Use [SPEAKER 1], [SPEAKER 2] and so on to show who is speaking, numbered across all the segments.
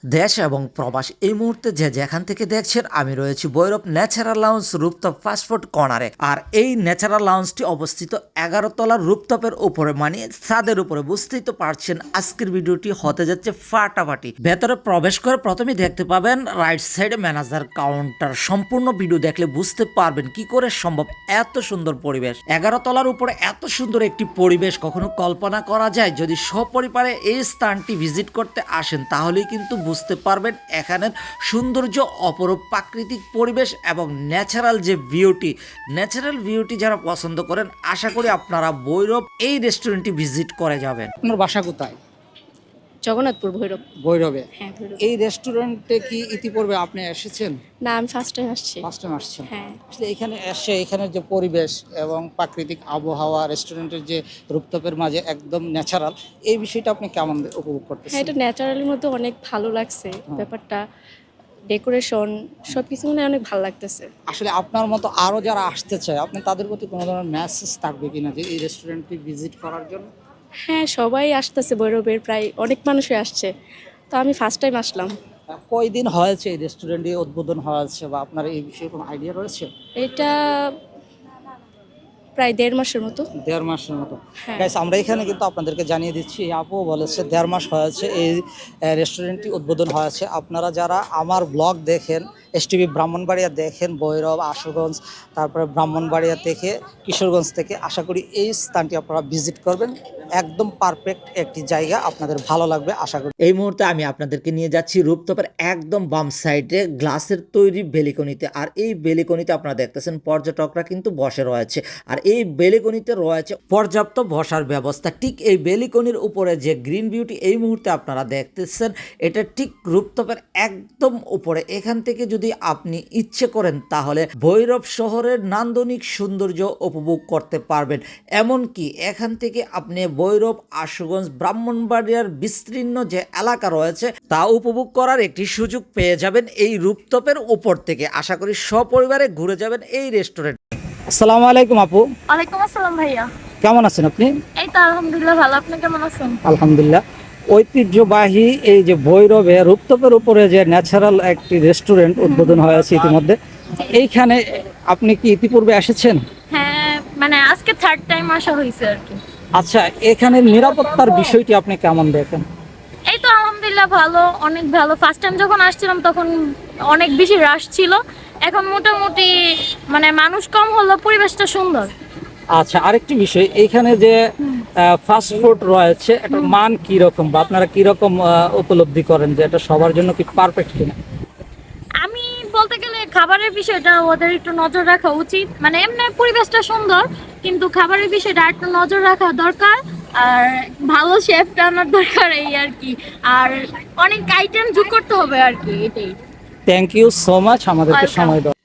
[SPEAKER 1] দেশ এবং প্রবাস এই মুহূর্তে যে যেখান থেকে দেখছেন আমি রয়েছি Bhairab natural lounge rooftop fast food কর্নারে। আর এই ন্যাচারাল লাউঞ্জটি অবস্থিত 11 তলার রুপটপের উপরে, মানে ছাদের উপরে। বুঝতেই তো পারছেন আজকের ভিডিওটি হতে যাচ্ছে ফাটাফাটি। ভেতরে প্রবেশ করে প্রথমেই দেখতে পাবেন রাইট সাইডে ম্যানেজার কাউন্টার। সম্পূর্ণ ভিডিও দেখলে বুঝতে পারবেন কি করে সম্ভব এত সুন্দর পরিবেশ। 11 তলার উপরে এত সুন্দর একটি পরিবেশ কখনো কল্পনা করা যায়? যদি সপরিবারে এই স্থানটি ভিজিট করতে আসেন তাহলেই কিন্তু বুঝতে পারবেন এখানের সৌন্দর্য, অপরূপ প্রাকৃতিক পরিবেশ এবং ন্যাচারাল যে ভিউটি যারা পছন্দ করেন, আশা করি আপনারা ভৈরব এই রেস্টুরেন্টটি ভিজিট করে যাবেন।
[SPEAKER 2] আপনার বাসা কোথায়?
[SPEAKER 3] জগন্নাথপুর, ভৈরব।
[SPEAKER 2] ভৈরবে।
[SPEAKER 3] হ্যাঁ, ভৈরব।
[SPEAKER 2] এই রেস্টুরেন্টে কি ইতিপূর্বে আপনি এসেছেন?
[SPEAKER 3] না, আমি ফার্স্ট টাইম আসছি।
[SPEAKER 2] ফার্স্ট টাইম আসছেন?
[SPEAKER 3] হ্যাঁ।
[SPEAKER 2] আসলে এখানে এসে এখানের যে পরিবেশ এবং প্রাকৃতিক আবহাওয়া, রেস্টুরেন্টের যে রুপটপের মাঝে একদম ন্যাচারাল, এই বিষয়টা আপনি কেমন উপভোগ
[SPEAKER 3] হ্যাঁ,
[SPEAKER 2] করতেছেন?
[SPEAKER 3] এটা ন্যাচারালের মধ্যে অনেক ভালো লাগছে ব্যাপারটা, ডেকোরেশন সবকিছু মানে অনেক ভালো লাগতেছে।
[SPEAKER 2] আসলে আপনার মতো আরো যারা আসতে চায়, আপনি তাদের প্রতি কোনো ধরনের মেসেজ থাকবে কিনা যে এই রেস্টুরেন্টটি ভিজিট করার জন্য?
[SPEAKER 3] হ্যাঁ, সবাই আসতেছে, ভৈরবের প্রায় অনেক মানুষই আসছে, তো আমি ফার্স্ট টাইম আসলাম।
[SPEAKER 2] কয়দিন হয়েছে এই রেস্টুরেন্টটি উদ্বোধন হয়েছে, বা আপনার এই বিষয়ে কোনো আইডিয়া রয়েছে?
[SPEAKER 3] এটা প্রায় 1.5 মাসের মতো।
[SPEAKER 2] 1.5 মাসের মতো।
[SPEAKER 3] হ্যাঁ।
[SPEAKER 2] গাইস, আমরা এখানে কিন্তু আপনাদেরকে জানিয়ে দিচ্ছি, এই আপু বলেছে 1.5 মাস হয়েছে এই রেস্টুরেন্টটি উদ্বোধন হয়েছে। আপনারা যারা আমার ব্লগ দেখেন, এসটিভি ব্রাহ্মণবাড়িয়া দেখেন, ভৈরব, আশুগঞ্জ, তারপরে ব্রাহ্মণবাড়িয়া থেকে, কিশোরগঞ্জ থেকে, আশা করি এই স্থানটি আপনারা ভিজিট করবেন। একদম পারফেক্ট একটি জায়গা, আপনাদের ভালো লাগবে আশা করি।
[SPEAKER 1] এই মুহূর্তে আমি আপনাদেরকে নিয়ে যাচ্ছি রুপটপের একদম বাম সাইডে গ্লাসের তৈরি বেলিকনিতে। আর এই বেলিকনিতে আপনারা দেখতেছেন পর্যটকরা কিন্তু বসে রয়েছে। আর এই বেলিকনিতে রয়েছে পর্যাপ্ত বসার ব্যবস্থা। ঠিক এই বেলিকনির উপরে যে গ্রিন বিউটি এই মুহূর্তে আপনারা দেখতেছেন, এটা ঠিক রুপটপের একদম উপরে। এখান থেকে যদি আপনি ইচ্ছে করেন তাহলে ভৈরব শহরের নান্দনিক সৌন্দর্য উপভোগ করতে পারবেন। এমনকি এখান থেকে আপনি ভৈরব, আশুগঞ্জ, ব্রাহ্মণবাড়িয়ার বিস্তীর্ণ যে এলাকা রয়েছে তা উপভোগ করার একটি সুযোগ পেয়ে যাবেন এই রুপটপের উপর থেকে। আশা করি সপরিবারে ঘুরে যাবেন এই রেস্টুরেন্ট।
[SPEAKER 2] আসসালামু আলাইকুম আপু,
[SPEAKER 3] ওয়ালাইকুম আসসালাম ভাইয়া।
[SPEAKER 2] কেমন আছেন আপনি?
[SPEAKER 3] এই তো আলহামদুলিল্লাহ ভালো, আপনি কেমন আছেন?
[SPEAKER 2] আলহামদুলিল্লাহ। ঐতিহ্যবাহী এই যে ভৈরবে রূপতপের উপরে যে ন্যাচারাল একটি রেস্টুরেন্ট উদ্বোধন হয়েছে ইতিমধ্যে, এইখানে আপনি কি ইতিপূর্বে এসেছেন?
[SPEAKER 3] হ্যাঁ, মানে আজকে থার্ড টাইম আসা হয়েছে আর কি।
[SPEAKER 2] আচ্ছা, এখানে নিরাপত্তার বিষয়টি আপনি কেমন দেখেন?
[SPEAKER 3] এই তো আলহামদুলিল্লাহ ভালো, অনেক ভালো। ফার্স্ট টাইম যখন আসছিলাম তখন অনেক বেশি রাশ ছিল, এখন মোটামুটি মানে মানুষ কম হলো, পরিবেশটা সুন্দর।
[SPEAKER 2] আচ্ছা, আরেকটি বিষয়, এইখানে যে ফাস্ট ফুড রয়েছে, এটার মান কি রকম, বা আপনারা কি রকম উপলব্ধি করেন যে এটা সবার জন্য কি পারফেক্ট কিনা?
[SPEAKER 3] আমি বলতে গেলে খাবারের বিষয়টা ওদের একটু নজর রাখা উচিত, মানে এমনি পরিবেশটা সুন্দর কিন্তু খাবারের বিষয়টা একটু নজর রাখা দরকার, আর ভালো শেফটা আনার দরকার, এই আর কি। আর অনেক আইটেম যোগ করতে হবে আর কি, এটাই।
[SPEAKER 2] থ্যাংক ইউ সো মাচ আমাদেরকে
[SPEAKER 3] Welcome.
[SPEAKER 2] সময় দেওয়ার।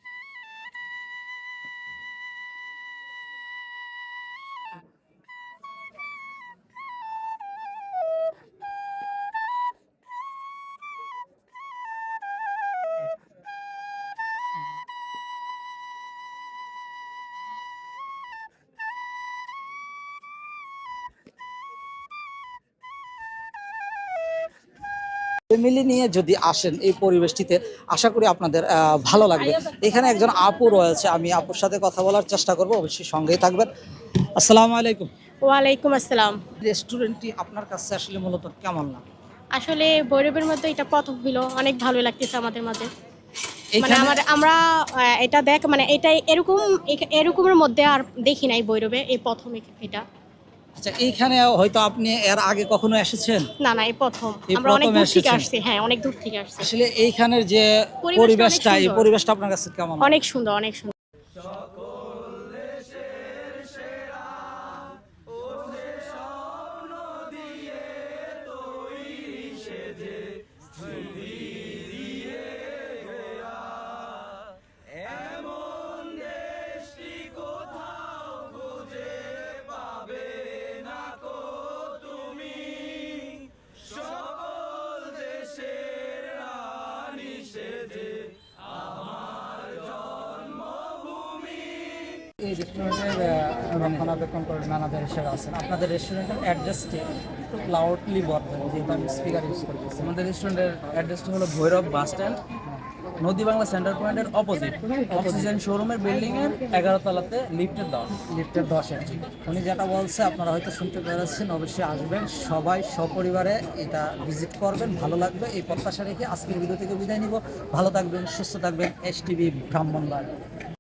[SPEAKER 2] ফ্যামিলি নিয়ে যদি আসেন এই পরিবেশটিতে, আশা করি আপনাদের ভালো লাগবে। এখানে একজন আপু রয়েছে, আমি আপুর সাথে কথা বলার চেষ্টা করব, অবশ্যই সঙ্গেই থাকবেন। আসসালামু আলাইকুম।
[SPEAKER 3] ওয়ালাইকুম আসসালাম।
[SPEAKER 2] রেস্টুরেন্টটি আপনার কাছে আসলে মূলত কেমন লাগে?
[SPEAKER 3] আসলে ভৈরবের মধ্যে এটা প্রথম হলো, অনেক ভালো লাগতেছে আমাদের মাঝে। মানে
[SPEAKER 2] এখানে
[SPEAKER 3] আমরা এটা দেখ, মানে এটা এরকমের মধ্যে আর দেখি নাই ভৈরবে, এই প্রথম এটা।
[SPEAKER 2] আচ্ছা, এইখানে হয়তো আপনি এর আগে কখনো এসেছেন?
[SPEAKER 3] না না, এই প্রথম।
[SPEAKER 2] এই
[SPEAKER 3] আমরা অনেক
[SPEAKER 2] প্রথম
[SPEAKER 3] দূর থেকে
[SPEAKER 2] এসেছেন?
[SPEAKER 3] আসছি, হ্যাঁ অনেক দূর থেকে আসছি।
[SPEAKER 2] আসলে এইখানের যে
[SPEAKER 3] পরিবেশটা অনেক
[SPEAKER 2] এই
[SPEAKER 3] সুন্দর।
[SPEAKER 2] পরিবেশটা আপনার কাছে কেমন?
[SPEAKER 3] অনেক সুন্দর, অনেক সুন্দর।
[SPEAKER 2] এই রেস্টুরেন্টের রক্ষণাবেক্ষণ করে ম্যানেজার হিসেবে আছেন। আপনাদের রেস্টুরেন্টের অ্যাড্রেসটি একটু লাউডলি বলবেন, যেহেতু আমি স্পিকার ইউজ করতেছি।
[SPEAKER 4] আমাদের রেস্টুরেন্টের অ্যাড্রেসটা হলো ভৈরব বাস স্ট্যান্ড, নদী বাংলা সেন্টার পয়েন্টের অপোজিট অক্সিজেন শোরুমের বিল্ডিং এর 11 তলাতে লিফটের 10।
[SPEAKER 2] লিফটের 10-এ উনি যেটা বলছে আপনারা হয়তো শুনতে পেরেছেন, অবশ্যই আসবেন, সবাই সপরিবারে এটা ভিজিট করবেন, ভালো লাগবে এই প্রত্যাশা রেখে আজকের ভিডিও থেকে বিদায় নিব। ভালো থাকবেন, সুস্থ থাকবেন। STV ব্রাহ্মণবাড়িয়া।